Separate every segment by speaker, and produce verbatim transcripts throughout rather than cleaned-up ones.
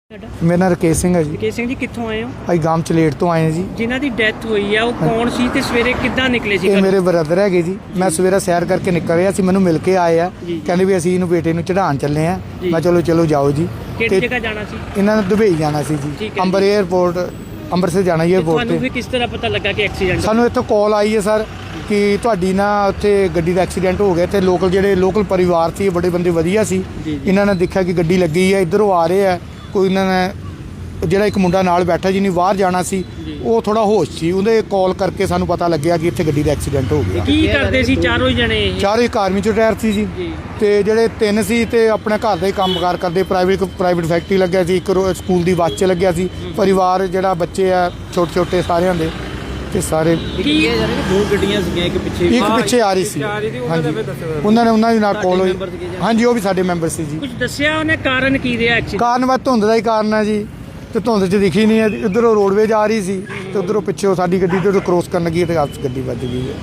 Speaker 1: ਮੇਰਾ ਨਾਮ ਰਕੇਸ਼ ਸਿੰਘ ਹੈ ਜੀ।
Speaker 2: ਰਕੇਸ਼ ਸਿੰਘ ਜੀ ਕਿੱਥੋਂ ਆਏ ਹੋ?
Speaker 1: ਅਸੀਂ ਗਾਮ ਚਲੇਟ ਤੋਂ ਆਏ ਹਾਂ ਜੀ।
Speaker 2: ਜਿਨ੍ਹਾਂ ਦੀ ਡੈਥ ਹੋਈ ਆ ਉਹ ਕੌਣ ਸੀ ਤੇ ਸਵੇਰੇ ਕਿੱਦਾਂ ਨਿਕਲੇ ਸੀ?
Speaker 1: ਇਹ ਮੇਰੇ ਬ੍ਰਦਰ ਹੈਗੇ ਜੀ। ਮੈਂ ਸਵੇਰੇ ਸੈਰ ਕਰਕੇ ਨਿਕਲ ਰਿਹਾ ਸੀ, ਮੈਨੂੰ ਮਿਲ ਕੇ ਆਏ ਆ, ਕਹਿੰਦੇ ਵੀ ਅਸੀਂ ਇਹਨੂੰ ਬੇਟੇ ਨੂੰ ਚੜਾਉਣ ਚੱਲੇ ਆ। ਮੈਂ ਚਲੋ ਚਲੋ ਜਾਓ ਜੀ।
Speaker 2: ਕਿਹੜੀ ਜਗ੍ਹਾ ਜਾਣਾ ਸੀ?
Speaker 1: ਇਹਨਾਂ ਨੇ ਦੁਬਈ ਜਾਣਾ ਸੀ ਜੀ, ਅੰਬਰ 에ਅਰਪੋਰਟ ਅੰਮ੍ਰਿਤਸਰ ਜਾਣਾ ਜੀ 에ਅਰਪੋਰਟ
Speaker 2: ਤੁਹਾਨੂੰ
Speaker 1: ਤੇ।
Speaker 2: ਫਿਰ ਕਿਸ ਤਰ੍ਹਾਂ ਪਤਾ ਲੱਗਾ ਕਿ ਐਕਸੀਡੈਂਟ?
Speaker 1: ਸਾਨੂੰ ਇੱਥੋਂ ਕਾਲ ਆਈ ਹੈ ਸਰ ਕਿ ਤੁਹਾਡੀ ਨਾ ਉੱਥੇ ਗੱਡੀ ਦਾ ਐਕਸੀਡੈਂਟ ਹੋ ਗਿਆ। ਤੇ ਲੋਕਲ ਜਿਹੜੇ ਲੋਕਲ ਪਰਿਵਾਰ ਸੀ, ਬੜੇ ਬੰਦੇ ਵਧੀਆ ਸੀ, ਇਹਨਾਂ ਨੇ ਦੇਖਿਆ ਕਿ ਗੱਡੀ ਲੱਗੀ ਹੈ, ਇੱਧਰੋਂ ਆ ਰਹੇ ਆ। ਕੋਈ ਇਹਨਾਂ ਨੇ ਜਿਹੜਾ ਇੱਕ ਮੁੰਡਾ ਨਾਲ ਬੈਠਾ ਜਿਹਨੇ ਬਾਹਰ ਜਾਣਾ ਸੀ, ਉਹ ਥੋੜਾ ਹੋਸ਼ ਸੀ, ਉਹਦੇ ਕਾਲ ਕਰਕੇ ਸਾਨੂੰ ਪਤਾ ਲੱਗਿਆ ਕਿ ਇੱਥੇ ਗੱਡੀ ਦਾ ਐਕਸੀਡੈਂਟ ਹੋ ਗਿਆ।
Speaker 2: ਕੀ ਕਰਦੇ ਸੀ ਚਾਰੋਂ ਜਣੇ?
Speaker 1: ਚਾਰੋਂ ਇੱਕ ਆਰਮੀ ਚ ਰਿਟਾਇਰ ਸੀ ਜੀ, ਤੇ ਜਿਹੜੇ ਤਿੰਨ ਸੀ ਤੇ ਆਪਣੇ ਘਰ ਦਾ ਹੀ ਕੰਮਕਾਰ ਕਰਦੇ। ਪ੍ਰਾਈਵੇਟ ਪ੍ਰਾਈਵੇਟ ਫੈਕਟਰੀ ਲੱਗਿਆ ਸੀ, ਇੱਕ ਸਕੂਲ ਦੀ ਬੱਸ 'ਚ ਲੱਗਿਆ ਸੀ। ਪਰਿਵਾਰ ਜਿਹੜਾ ਬੱਚੇ ਆ ਛੋਟੇ ਛੋਟੇ ਸਾਰਿਆਂ ਦੇ, ਤੇ ਸਾਰੇ
Speaker 2: ਦੋ ਗੱਡੀਆਂ ਸੀਗੀਆਂ, ਇੱਕ ਪਿੱਛੇ
Speaker 1: ਇੱਕ ਪਿੱਛੇ ਆ ਰਹੀ ਸੀ। ਹਾਂਜੀ, ਉਹਨਾਂ ਨੇ ਉਹਨਾਂ ਦੀ ਨਾਲ ਕੋਲ ਹੋਈ। ਹਾਂਜੀ, ਉਹ ਵੀ ਸਾਡੇ ਮੈਂਬਰ ਸੀ ਜੀ।
Speaker 2: ਕੁਝ ਦੱਸਿਆ ਉਹਨੇ ਕਾਰਨ ਕੀ ਰਿਹਾ ਐਕਸੀਡੈਂਟ?
Speaker 1: ਕਾਰਨ ਬਸ ਧੁੰਦ ਦਾ ਹੀ ਕਾਰਨ ਹੈ ਜੀ, ਤੇ ਧੁੰਦ 'ਚ ਦਿਖੀ ਨਹੀਂ ਹੈ। ਇੱਧਰੋਂ ਰੋਡਵੇਜ ਆ ਰਹੀ ਸੀ ਤੇ ਉੱਧਰੋਂ ਪਿੱਛੇ ਸਾਡੀ ਗੱਡੀ ਤੇ ਕ੍ਰੋਸ ਕਰਨ ਲੱਗੀ ਤੇ ਆਪਸ ਗੱਡੀ ਵੱਜ ਗਈ ਹੈ।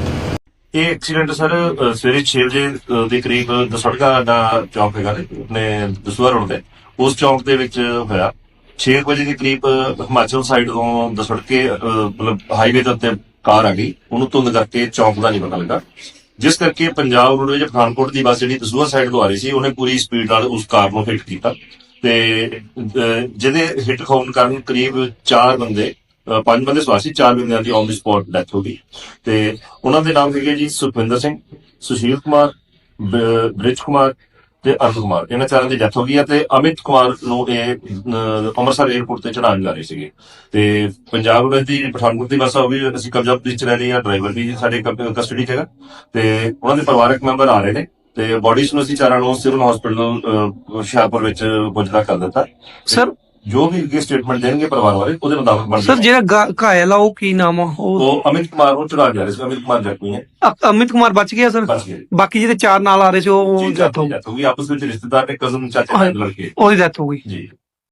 Speaker 3: ਇਹ ਐਕਸੀਡੈਂਟ ਸਰ ਸਵੇਰੇ ਛੇ ਵਜੇ ਦੇ ਕਰੀਬ ਦਸੜਕਾ ਦਾ ਚੌਂਕ ਹੈਗਾ ਨੇ ਆਪਣੇ ਦਸੂਹਾ ਰੋਡ ਤੇ, ਉਸ ਚੌਂਕ ਦੇ ਵਿੱਚ ਹੋਇਆ। ਛੇ ਵਜੇ ਦੇ ਕਰੀਬ ਹਿਮਾਚਲ ਸਾਈਡ ਤੋਂ ਦਸੜਕੇ ਮਤਲਬ ਹਾਈਵੇ ਦੇ ਉੱਤੇ ਕਾਰ ਆ ਗਈ, ਉਹਨੂੰ ਧੁੰਦ ਕਰਕੇ ਚੌਂਕ ਦਾ ਨਹੀਂ ਪਤਾ ਲੱਗਾ, ਜਿਸ ਕਰਕੇ ਪੰਜਾਬ ਰੋਡਵੇਜ ਪਠਾਨਕੋਟ ਦੀ ਬੱਸ ਜਿਹੜੀ ਦਸੂਹਾ ਸਾਈਡ ਤੋਂ ਆ ਰਹੀ ਸੀ, ਉਹਨੇ ਪੂਰੀ ਸਪੀਡ ਨਾਲ ਉਸ ਕਾਰ ਨੂੰ ਹਿੱਟ ਕੀਤਾ ਤੇ ਜਿਹਦੇ ਹਿੱਟ ਹੋਣ ਕਾਰਨ ਕਰੀਬ ਚਾਰ ਬੰਦੇ ਪੰਜ ਬੰਦੇ ਸਵਾਰ ਸੀ, ਚਾਰ ਬੰਦਿਆਂ ਦੀ ਔਨ ਦੀ ਸਪੌਟ ਡੈਥ ਹੋ ਗਈ। ਤੇ ਉਹਨਾਂ ਦੇ ਨਾਮ ਹੈਗੇ ਜੀ ਸੁਖਵਿੰਦਰ ਸਿੰਘ, ਸੁਸ਼ੀਲ ਕੁਮਾਰ, ਬ੍ਰਿਜ ਕੁਮਾਰ ਤੇ ਅਰੁਣ ਕੁਮਾਰ। ਇਹਨਾਂ ਚਾਰਾਂ ਦੀ ਡੈਥ ਹੋ ਗਈ ਹੈ। ਤੇ ਅਮਿਤ ਕੁਮਾਰ ਨੂੰ ਇਹ ਅੰਮ੍ਰਿਤਸਰ 에ਅਰਪੋਰਟ ਤੇ ਚੜਾਉਣ ਜਾ ਰਹੇ ਸੀਗੇ। ਤੇ ਪੰਜਾਬ ਰੋਡ ਦੀ ਪਠਾਨਕੋਟ ਦੀ ਬੱਸ ਉਹ ਵੀ ਅਸੀਂ ਕਬਜ਼ਾ ਪੁਲਿਸ ਚ ਲੈ ਲਈ ਆ, ਡਰਾਈਵਰ ਵੀ ਸਾਡੇ ਕਸਟਡੀ ਚ ਹੈਗਾ, ਤੇ ਉਹਨਾਂ ਦੇ ਪਰਿਵਾਰਕ ਮੈਂਬਰ ਆ ਰਹੇ ਨੇ। ਤੇ ਬੋਡੀਜ਼ ਨੂੰ ਅਸੀਂ ਚਾਰਾਂ ਨੂੰ ਸਿਵਲ ਹਸਪੀਟਲ ਹੁਸ਼ਿਆਰਪੁਰ ਵਿੱਚ ਪੁੱਜਦਾ ਕਰ ਦਿੱਤਾ।
Speaker 4: ਸਰ
Speaker 3: ਜੋ ਵੀ ਅੱਗੇ ਸਟੇਟਮੈਂਟ ਦੇਣਗੇ ਪਰਿਵਾਰ ਵਾਲੇ, ਉਹਦੇ ਮੁਤਾਬਕ ਬਣਦਾ।
Speaker 4: ਸਰ ਜਿਹੜਾ ਘਾਇਲ ਆ ਉਹ ਕੀ ਨਾਮ ਆ?
Speaker 3: ਉਹ ਅਮਿਤ ਕੁਮਾਰ ਉਹ ਚੜਾ ਜਾ ਰਹੇ ਸੀ। ਅਮਿਤ ਕੁਮਾਰ ਜ਼ਖਮੀ ਹੈ।
Speaker 4: ਅ- ਅਮਿਤ ਕੁਮਾਰ ਬਚ ਗਿਆ ਸਰ?
Speaker 3: ਬਚ ਗਿਆ।
Speaker 4: ਬਾਕੀ ਜਿਹੜੇ ਚਾਰ ਨਾਲ ਆ ਰਹੇ ਸੀ ਉਹ
Speaker 3: ਜੀ
Speaker 4: ਡੈਥ ਹੋ ਗਈ?
Speaker 3: ਡੈਥ ਹੋ ਗਈ। ਆਪਸ ਵਿੱਚ ਰਿਸ਼ਤੇਦਾਰ ਨੇ, ਕਜ਼ਨ ਚਾਚੇ ਦੇ ਲੜਕੇ,
Speaker 4: ਉਹਦੀ ਡੈਥ ਹੋ ਗਈ।
Speaker 3: ਜੀ।